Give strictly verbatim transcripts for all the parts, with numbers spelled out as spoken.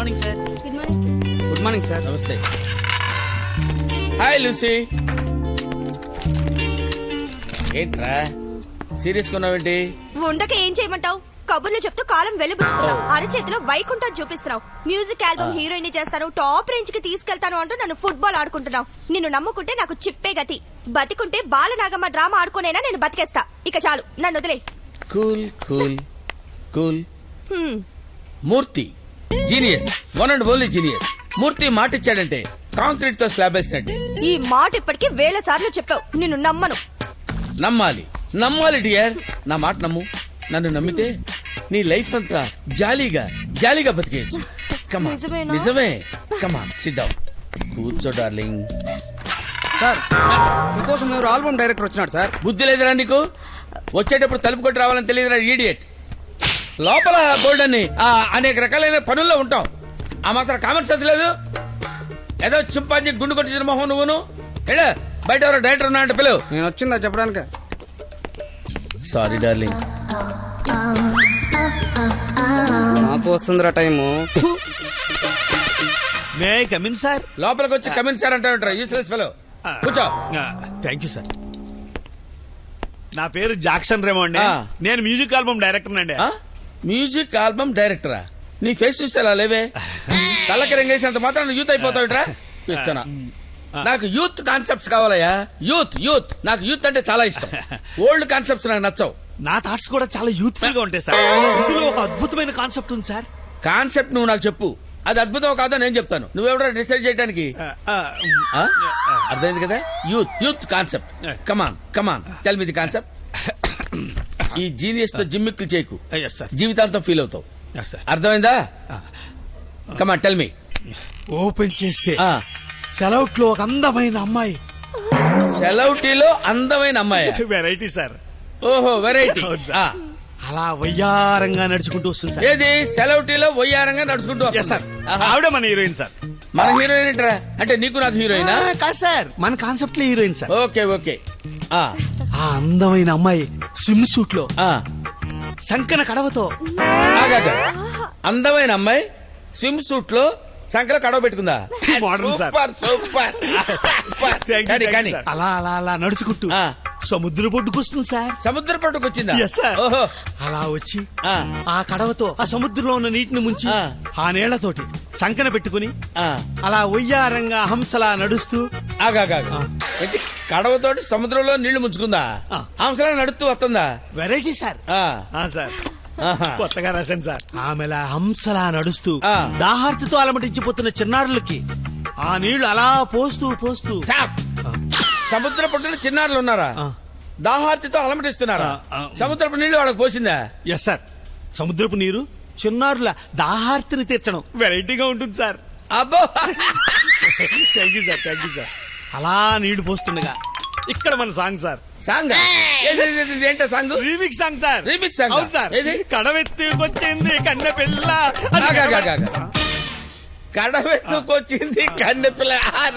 Morning sir. Good morning. Good morning sir. నమస్తే. Hi Lucy. ఏంట్రా serious కొన్నావేంటి? ఉండక ఏం చేయమంటావు? కబుర్లు చెప్తూ కాలం వెలుగుతున్నావు. అరచేతిలో వైకుంఠం చూపిస్తున్నావు. మ్యూజిక్ ఆల్బమ్ హీరోయిన్ చేస్తాను, టాప్ రేంజ్ కి తీసుకెళ్తాను అంటూ నన్ను ఫుట్బాల్ ఆడుకుంటున్నావు. నిన్ను నమ్ముకుంటే నాకు చిప్పే గతి. బతికుంటే బాలనాగమ్మ డ్రామా ఆడుకునేనా నేను బతికేస్తా. ఇక చాలు, నన్ను వదిలే. Cool cool cool. Murthy genius, one and only genius. Murthy మాట ఇచ్చాడంటే కాంక్రీట్ తో స్లాబ్ వేసినట్టే. ఈ మాట ఇప్పటికి వేల సార్లు చెప్పావు. నిన్ను నమ్మను. నమ్మాలి నమ్మాలి డియర్. నా మాట నమ్ము. నన్ను నమ్మితే నీ లైఫ్ అంతా జాలీగా జాలీగా బతికేయచ్చు. కమా నిజమేనా? నిజమే. కమా సిట్ డౌన్. కూర్చో డార్లింగ్. సార్ మీకోసం ఎవరు ఆల్బమ్ డైరెక్టర్ వచ్చినాడు సార్. బుద్ధి లేదురా నీకు? వచ్చేటప్పుడు తలుపు కొట్టి రావాలని తెలియదురా ఈడియట్. లోపల బోల్డ్ అని అనేక రకాలైన పనుల్లో ఉంటాం. ఆ మాత్రం కామన్ సెన్స్ లేదు. ఏదో చింపాంజీ గుండు కొట్టించిన మొహం నువ్వును. ఏడా బయట ఎవరో డైరెక్టర్ ఉన్నా అంటే పిలువు. నేను వచ్చిందా చెప్పడానికి. Sorry darling. నాకు వస్తుందిరా time. May I come in sir? లోపలికి వచ్చి కమిన్ సార్ అంటారు యూస్లెస్ ఫెలో. కూర్చో. Thank you sir. నా పేరు జాక్సన్ రేమో అండి. ఆ. నేను మ్యూజిక్ ఆల్బమ్ డైరెక్టర్ అండి. ఆ? మ్యూజిక్ ఆల్బమ్ డైరెక్టరా? నీ ఫేస్ చూస్తే అలా లేవే. కళ్ళకి రంగేసినంత మాత్రం యూత్ అయిపోతావుట్రా. ఇచ్చనా నాకు యూత్ కాన్సెప్ట్స్ కావాలయ్యా. యూత్ యూత్ నాకు యూత్ అంటే చాలా ఇష్టం. ఓల్డ్ కాన్సెప్ట్స్ నాకు నచ్చవు. నా థాట్స్ కూడా చాలా యూత్ఫుల్ గా ఉంటాయి సార్. ఇందులో ఒక అద్భుతమైన కాన్సెప్ట్ ఉంది సార్. కాన్సెప్ట్ నువ్వు నాకు చెప్పు. అది అద్భుతం కాదో నేను చెప్తాను. నువ్వెవడో డిసైడ్ చేయడానికి. ఆ, ఆ, ఆ? అర్థమైంది కదా? Youth youth concept. Come on come on tell me the concept. ఈ జీనియస్ తో జిమ్మిక్లు చేయకు. yes, sir. జీవితాంతం ఫీల్ అవుతావు. Yes, sir. అర్థమైందా? కమాన్ టెల్ మీ. ఓపెన్ చేస్తే సెలవుట్ లో ఒక అందమైన అమ్మాయి. సెలవుటీలో అందమైన అమ్మాయి. Variety sir. ఓహో వెరైటీ. అవును సార్. అలా వయ్యారంగా నడుచుకుంటూ వస్తుంది సార్. ఏది సెలవుటీలో వయ్యారంగా నడుచుకుంటూ Yes, వస్తుందా? sir. ఆహా. ఆవిడ మన హీరోయిన్ సార్. మన హీరోయిన్ ఏంట్రా? అంటే నీకు నాకు హీరోయినా? ఆ, కాదు సార్, మన కాన్సెప్ట్ లో హీరోయిన్ సార్. Okay okay. ఆ, ఆ అందమైన అమ్మాయి స్విమ్ సూట్ లో ఆ. సంకన కడవతో ఆగాక. అందమైన అమ్మాయి స్విమ్ సూట్ లో సంకల కడవ పెట్టుకుందా? Modern, sir. Super super super. Thank you, కానీ thank you, కానీ sir. అలా అలా అలా నడుచుకుంటూ ఆ. సముద్ర పొడ్డుకొస్తుంది సార్. సముద్ర పట్టుకు వచ్చిందా? Yes, sir. ఓహో. అలా వచ్చి ఆ, ఆ కడవతో ఆ సముద్రంలో ఉన్న నీటిని ముంచి ఆ. ఆ నీళ్లతోటి సంకన పెట్టుకుని ఆ. అలా ఒయ్యారంగా హంసలా నడుస్తూ ఆగాక. ఏంటి? కడవతోటి సముద్రంలో నీళ్లు ముంచుకుందా? ఆ. హంసలా నడుస్తూ వస్తుందా? Variety sir. ఆ. ఆ, సార్ ఆహా. కొత్తగా రాశాను సార్. ఆమెలా హంసలా నడుస్తూ ఆ. దాహార్తితో అలమటించిపోతున్న చిన్నారులకి ఆ నీళ్లు అలా పోస్తూ పోస్తూ స్టాప్. సముద్ర పట్టున చిన్నారులు ఉన్నారా? ఆ. దాహార్తితో అలమటిస్తున్నారా? ఆ, ఆ. సముద్రపు నీళ్లు వాళ్ళకి పోసిందా? Yes sir. సముద్రపు నీరు చిన్నారుల దాహార్తిని తీర్చడం వెరైటీగా ఉంటుంది సార్. అబ్బో. Thank you sir, thank you sir. అలా నీళ్లు పోస్తుండగా ఇక్కడ మన సాంగ్ సార్. సాంగ్ ఏంటో song? Remix song sir. Remix song ఆ? అవును సార్. ఏది? కడవెత్తుకొచ్చింది కన్నె పిల్ల అని ఆగు, ఆగు, ఆగు, ఆగు. కడవెత్తుకొచ్చింది కన్నె పిల్ల.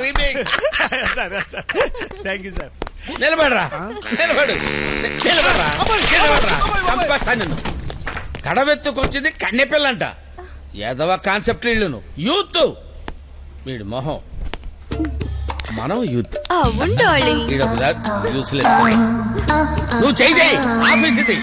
Sir, sir. Thank you sir. నిలబడరా నిలబడు నిలబడరా నిలబడరా. చంపేస్తాను నిన్ను. కడవెత్తుకొచ్చింది కన్నె పిల్లంట. ఎదవ కాన్సెప్ట్ ఇల్లును యూత్. వీడు మొహం. మనం యూత్. అవును డార్లింగ్. యూస్లెస్. నువ్వు చెయ్యి చెయ్యి ఆఫీస్ ఇది.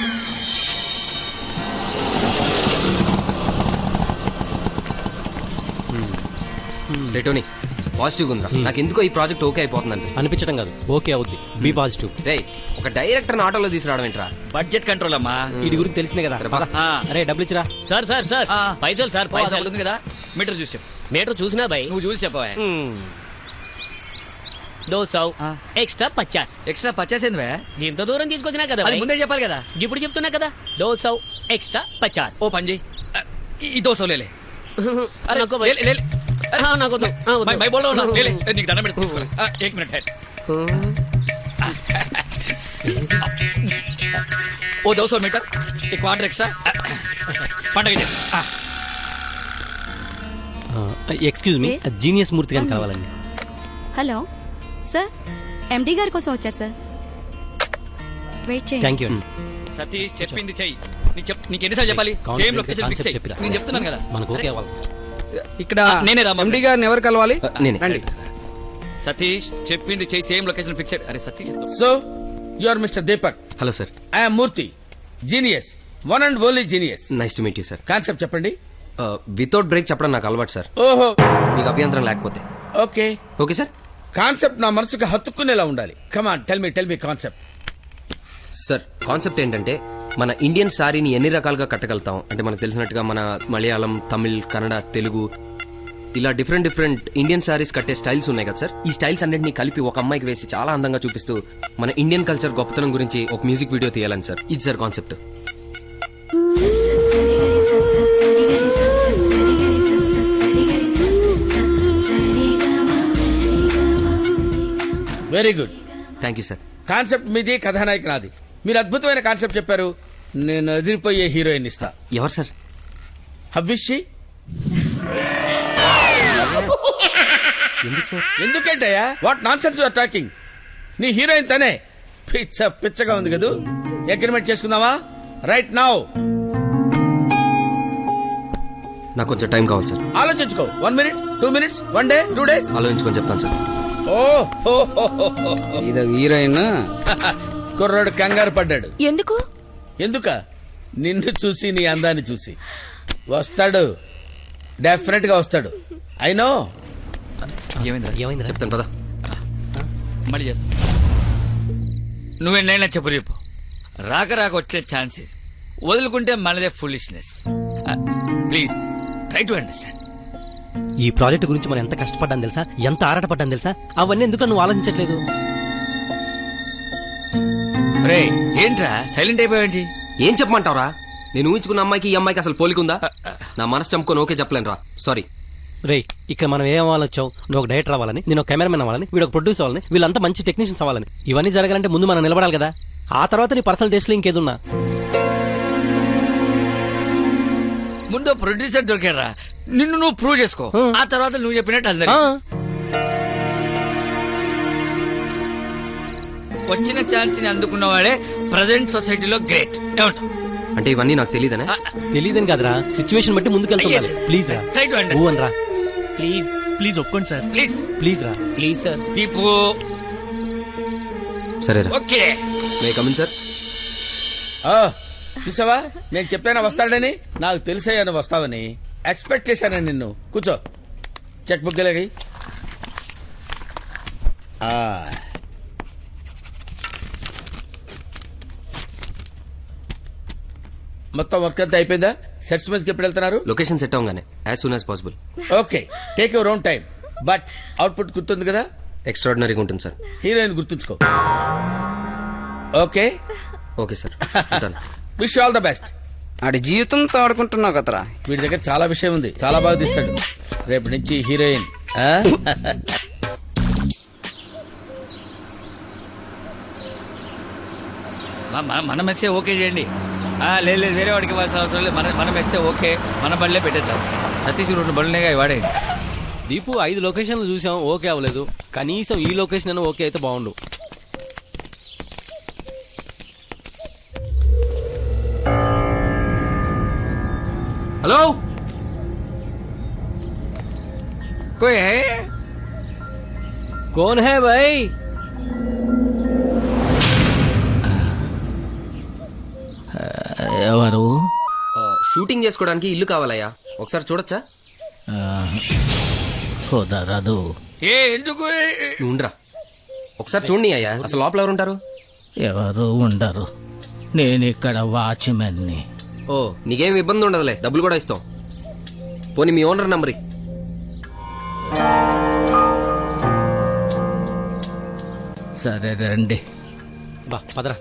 రేటోని పాజిటివ్ ఉందా? నాకు ఎందుకో ఈ ప్రాజెక్ట్ ఓకే అయిపోతుంది అనిపించడం కాదు, ఓకే అవుద్ది. Be positive. రే ఒక డైరెక్టర్ ఆటోలో తీసుకురావడం ఏంట్రా? బడ్జెట్ కంట్రోల్ అమ్మా. వీడి గురించి తెలిసిందే కదా. సరే, పద. ఆ. అరే డబ్బులు ఇచ్చిరా. సార్ సార్ సార్ పైసలు సార్ పైసలు ఉంది కదా, మీటర్ చూసి చెప్పు. మీటర్ చూసినా భయ్. నువ్వు చూసి చెప్పవా? దో సౌ ఆ. ఎక్స్ట్రా పచాస్. ఎక్స్ట్రా పచ్చేసింది వే. ఇంత దూరం తీసుకొచ్చినా కదా అది భయ్. ముందే చెప్పాలి కదా. ఇప్పుడు చెప్తున్నా కదా, దో సౌ ఎక్స్ట్రా పచాస్. ఓ పని చేయి, ఈ దోశ లేలే. అరే, నాకు భయ్. లే, లే, లే. అరే, ఆ, నాకు వద్దు. ఆ, వద్దు. మై- మై బోల్లో ఉన్నా. లే, లే. నీకు దండం పెట్టి తీసుకోలే. ఆ, ఏక్ మినిట్ హెడ్. ఓ దోశ మీటర్ ఈ క్వార్టర్ ఎక్స్ట్రా పండగ చేసి. Excuse me, Yes. Genius Murthy గారిని కావాలండి. హలో సార్, ఎండి గారి కోసం వచ్చారు సార్. వెయిట్ చేయండి. థ్యాంక్ యూ అండి. సతీష్ చెప్పింది చెయ్యి. నీకు చెప్ నీకు ఎన్నిసార్లు చెప్పాలి? Concept same location fix concept అయ్యి చెప్పిరా. నేను చెప్తున్నాను కదా. మనకు ఓకే అరే, అవ్వాలి. ఇక్కడ ఆ, నేనే రా, ఎండి గారిని ఎవరు కలవాలి నేనే. రండి. సతీష్ చెప్పింది చేయి సేమ్ లొకేషన్ ఫిక్స్ అరే Satish so you are mister Deepak, hello sir, I'm Murthy, genius, one and only genius. Nice to meet you sir. Concept చెప్పండి. వితౌట్ బ్రేక్ చెప్పడం నాకు అలవాటు సార్, ఓహో, మీకు అభ్యంతరం లేకపోతే. ఓకే. Okay sir. కాన్సెప్ట్ నా మనసుకు హత్తుకునేలా ఉండాలి. Come on, tell me tell me concept. Sir concept ఏంటంటే మన ఇండియన్ సారీని ఎన్ని రకాలుగా కట్టగలుగుతాం అంటే మనకు తెలిసినట్టుగా మన మలయాళం, తమిళ్, కన్నడ, తెలుగు ఇలా డిఫరెంట్ డిఫరెంట్ ఇండియన్ సారీస్ కట్టే స్టైల్స్ ఉన్నాయి కదా సార్. ఈ స్టైల్స్ అన్నింటినీ కలిపి ఒక అమ్మాయికి వేసి చాలా అందంగా చూపిస్తూ మన ఇండియన్ కల్చర్ గొప్పతనం గురించి ఒక మ్యూజిక్ వీడియో తీయాలని సార్. ఇది sir concept. Very good. Thank you sir. Concept మీది, కథానాయక నాది. మీరు అద్భుతమైన కాన్సెప్ట్ చెప్పారు. నేను ఎదిరిపోయే హీరోయిన్ ఇస్తా. ఎవరు సార్? హవ్విషి. ఎందుకు సార్? ఎందుకేంటయ్యా? What nonsense you're talking. నీ హీరోయిన్ తనే. పిచ్చ పిచ్చగా ఉంది కదూ. అగ్రిమెంట్ చేసుకుందామా? Right now. నాకు కొంచెం టైం కావాలి సార్. ఆలోచించుకో. One minute, two minutes, one day, two days. ఆలోచించుకొని చెప్తాను సార్. ఓ ఇది హీరోయిన్. కుర్రాడు కంగారు పడ్డాడు. ఎందుకు? ఎందుక? నిన్ను చూసి, నీ అందాన్ని చూసి. వస్తాడు, డెఫినెట్ గా వస్తాడు. I know. ఏమైందా ఏమైంది? చెప్తాను పదా. మళ్ళీ చేస్తా. నువ్వెన్నైనా చెప్పు రేపు రాక రాక వచ్చే ఛాన్స్ వదులుకుంటే మనదే foolishness. Please try to understand. ఈ ప్రాజెక్ట్ గురించి మనం ఎంత కష్టపడ్డాను తెలుసా, ఎంత ఆరాటపడ్డాను తెలుసా. అవన్నీ ఎందుకు నువ్వు ఆలోచించట్లేదు? రే ఏంట్రా సైలెంట్ అయిపోయావేంటి? ఏం చెప్పమంటావురా? నేను ఊహించుకున్న అమ్మాయికి ఈ అమ్మాయికి అసలు పోలికుందా? నా మనసు చంపుకొని ఓకే చెప్పలేను రా. సారీ. రే, ఇక్కడ మనం ఏం అవ్వాలొచ్చావు? నువ్వు ఒక డైరెక్టర్ అవ్వాలని, నేను ఒక కెమెరామెన్ అవ్వాలని, వీడు ఒక ప్రొడ్యూసర్ అవ్వాలని, వీళ్ళంతా మంచి టెక్నీషియన్స్ అవ్వాలని. ఇవన్నీ జరగాలంటే ముందు మనం నిలబడాలి కదా. ఆ తర్వాత నీ పర్సనల్ టేస్ట్ లో ఇంకేదున్నా. ముందు ప్రొడ్యూసర్ దొరికారా, నిన్ను నువ్వు ప్రూవ్ చేసుకో. ఆ తర్వాత నువ్వు చెప్పినట్టు అందరి ఆ, వచ్చిన ఛాన్స్ ని అందుకున్న వాడే ప్రజెంట్ సొసైటీలో గ్రేట్. ఏమంటావు? అంటే ఇవన్నీ నాకు తెలియదనే. తెలీదని కాదురా, సిచ్యువేషన్ బట్టి ముందుకెళ్తున్నారు. Yes. ప్లీజ్ రా. Try to understand. ఊ అనరా. ప్లీజ్ ప్లీజ్ ఒప్పుకోండి సార్. ప్లీజ్ ప్లీజ్ రా. Please sir. దీపు. సరేరా. ఓకే. May come in sir. ఆ, చూసావా, నేను చెప్పానా వస్తాడని. నాకు తెలిసయ్యా నువ్వు వస్తావని. ఎక్స్పెక్ట్ చేశాను నిన్ను. కూర్చో. చెక్ బుక్ గలగి. మొత్తం వర్క్ అంతా అయిపోయిందా? సెట్స్ మీదకి ఎప్పుడు వెళ్తున్నారు? లొకేషన్ సెట్ అవగానే as soon as possible. Okay, take your own time. But output గుర్తుంది కదా? ఎక్స్ట్రాడినరీగా ఉంటుంది సార్. హీరోయిన్ గుర్తుంచుకో. Okay okay sir. ఉంటాను. Wish all the best. ఆడి జీవితంతో ఆడుకుంటున్నావు కదరా. వీడి దగ్గర చాలా విషయం ఉంది. చాలా బాగా తీస్తాడు. రేపు నుంచి హీరోయిన్. ఆ? మ- మ- మన మెస్సే ఓకే చేయండి. ఆ, లేదు లేదు, వేరే వాడికి ఇవ్వాల్సిన అవసరం లేదు. మన మన మెస్సే ఓకే. మన బళ్ళే పెట్టేద్దాం. సతీష్ రెండు బళ్ళునేగా వాడే. దీపు ఐదు లొకేషన్లు చూసాం, ఓకే అవ్వలేదు. కనీసం ఈ లొకేషన్ అయినా ఓకే అయితే బాగుండు. హలో. కోయ్ హై? कौन है भाई? ఎవరు? షూటింగ్ చేసుకోవడానికి ఇల్లు కావాలయ్యా, ఒకసారి చూడొచ్చా? కుదరదు. ఏ ఎందుకు? నువ్వు ఉండరా, ఒకసారి చూడండి అయ్యా. అసలు లోపల ఎవరు ఉంటారు? ఎవరు ఉండరు. నేను ఇక్కడ వాచ్మెన్ ని. ఓ, నీకేం ఇబ్బంది ఉండదులే, డబ్బులు కూడా ఇస్తాం. పోనీ మీ ఓనర్ నంబర్ ఇ. సరే రండి. బా పదరా.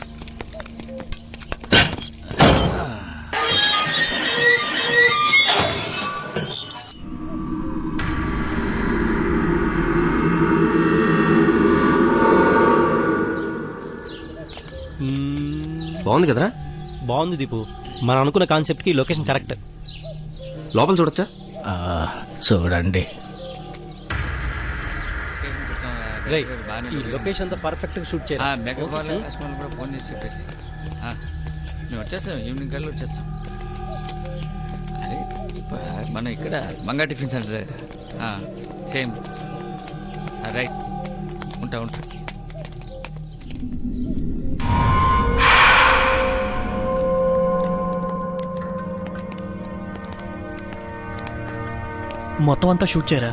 బాగుంది కదరా? బాగుంది దీపు. మనం అనుకున్న కాన్సెప్ట్ కి లొకేషన్ కరెక్ట్. లోపల చూడొచ్చా? ఆ, చూడండి. రేయ్, ఈ లొకేషన్ తో పర్ఫెక్ట్ గా షూట్ చేయాలి. మెగా లక్ష్మణ్ కూడా ఫోన్ చేసి చెప్పేసి ఆ, మేము వచ్చేస్తాం. ఈవినింగ్ కల్లా వచ్చేస్తాం. అరే మనం ఇక్కడ మంగా టిఫిన్ సెంటర్ సేమ్ రైట్ ఉంటా ఉంటా మొత్తం అంతా షూట్ చేయరా?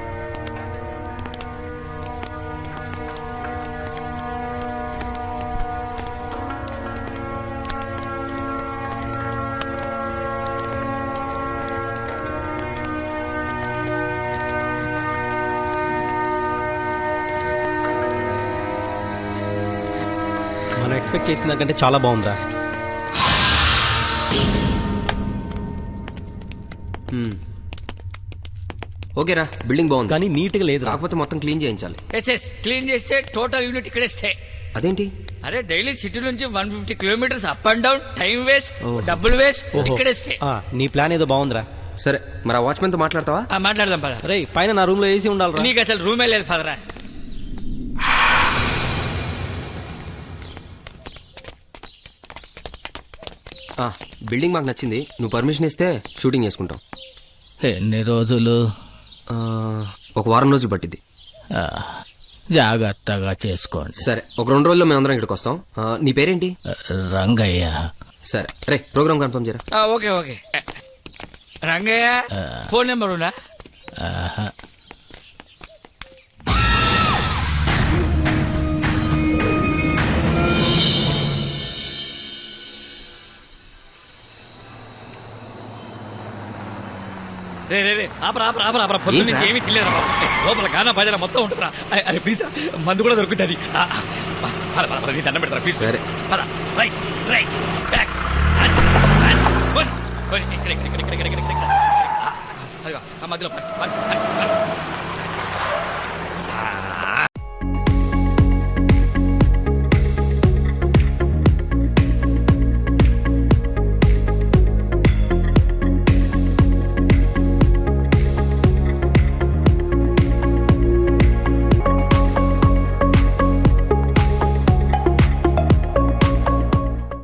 మనం ఎక్స్పెక్ట్ చేసిన దానికంటే చాలా బాగుందా? హ్మ్. ఓకేరా, బిల్డింగ్ బాగుంది కానీ నీట్ గా లేదు. కాకపోతే మొత్తం క్లీన్ చేయించాలి. ఎస్ ఎస్ క్లీన్ చేస్తే టోటల్ యూనిట్ ఇక్కడే స్టే. అదేంటి? అరే డైలీ సిటీ నుంచి one fifty kilometres up and down, time waste, ఓహో. డబ్బులు వేస్ట్, ఓహో. ఇక్కడే స్టే. ఆ, నీ ప్లాన్ ఏదో బాగుందిరా. సరే, మరి ఆ వాచ్మెన్ తో మాట్లాడతావా? ఆ, మాట్లాడదాం పద. రేయ్, పైన నా రూమ్ లో ఏసీ ఉండాలి. నీకు అసలు రూమే లేదు పదరా. ఆ, బిల్డింగ్ మాకు నచ్చింది. నువ్వు పర్మిషన్ ఇస్తే షూటింగ్ చేసుకుంటాం. ఎన్ని రోజులు? ఆ, ఒక వారం రోజులు పట్టింది. ఆ, జాగ్రత్తగా చేసుకోండి. సరే, ఒక రెండు రోజుల్లో మేము అందరం ఇక్కడికి వస్తాం. ఆ, నీ పేరేంటి? రంగయ్య. సరే రే, ప్రోగ్రామ్ కన్ఫర్మ్ చేయరా. ఆ, okay okay. Rangaiah phone number ఉందా? ఆహా. రే రే రే ఆపరా ఆపరా ఆపరా ఆపరా పొద్దు నుంచి ఏంట్రా? ఏమీ తెలియదు లోపల గానా భజన మొత్తం ఉంటుందా? అరే ప్లీజ్ మందు కూడా దొరుకుతుంది. ఆ, ఆ, పద, పద, పద, నీ దండం పెడతారా ప్లీజ్. సరే. పద రైట్ రైట్ బ్యాక్ ఇక్కడ ఇక్కడ ఇక్కడ ఇక్కడ ఇక్కడ ఇక్కడ ఇక్కడ. అదిగో, ఆ మధ్యలో పద, పద, పద.